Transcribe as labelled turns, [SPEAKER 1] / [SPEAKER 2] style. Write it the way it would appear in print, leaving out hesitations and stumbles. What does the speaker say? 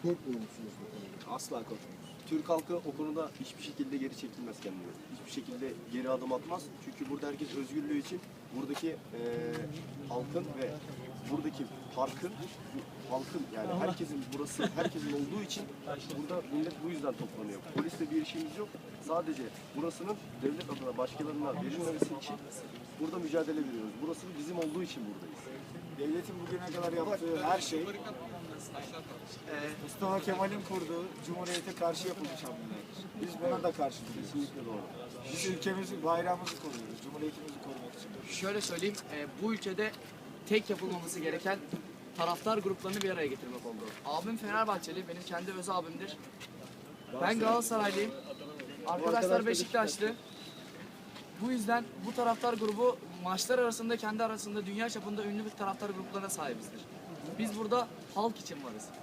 [SPEAKER 1] Korkmuyor musunuz bu konuda?
[SPEAKER 2] Asla korkmuyoruz. Türk halkı o konuda hiçbir şekilde geri çekilmez kendini. Hiçbir şekilde geri adım atmaz. Çünkü burada herkes özgürlüğü için buradaki halkın ve buradaki parkın, halkın yani herkesin burası, herkesin olduğu için burada millet bu yüzden toplanıyor. Polisle bir işimiz yok. Sadece burasının devlet adına başkalarına verilmemesi için burada mücadele veriyoruz. Burası bizim olduğu için buradayız.
[SPEAKER 3] Devletin bugüne kadar yaptığı her şey Mustafa Kemal'in kurduğu Cumhuriyete karşı yapılmış hamlelerdir. Biz buna da karşı duruyoruz.
[SPEAKER 2] Kesinlikle doğru.
[SPEAKER 3] Biz ülkemizi, bayrağımızı koruyoruz. Cumhuriyetimizi korumak için.
[SPEAKER 4] Şöyle söyleyeyim, bu ülkede tek yapılmaması gereken taraftar gruplarını bir araya getirmek oldu. Abim Fenerbahçeli, benim kendi öz abimdir. Ben Galatasaraylıyım. Arkadaşlar Beşiktaşlı. Bu yüzden bu taraftar grubu maçlar arasında kendi arasında dünya çapında ünlü bir taraftar gruplarına sahibizdir. Biz burada halk için varız.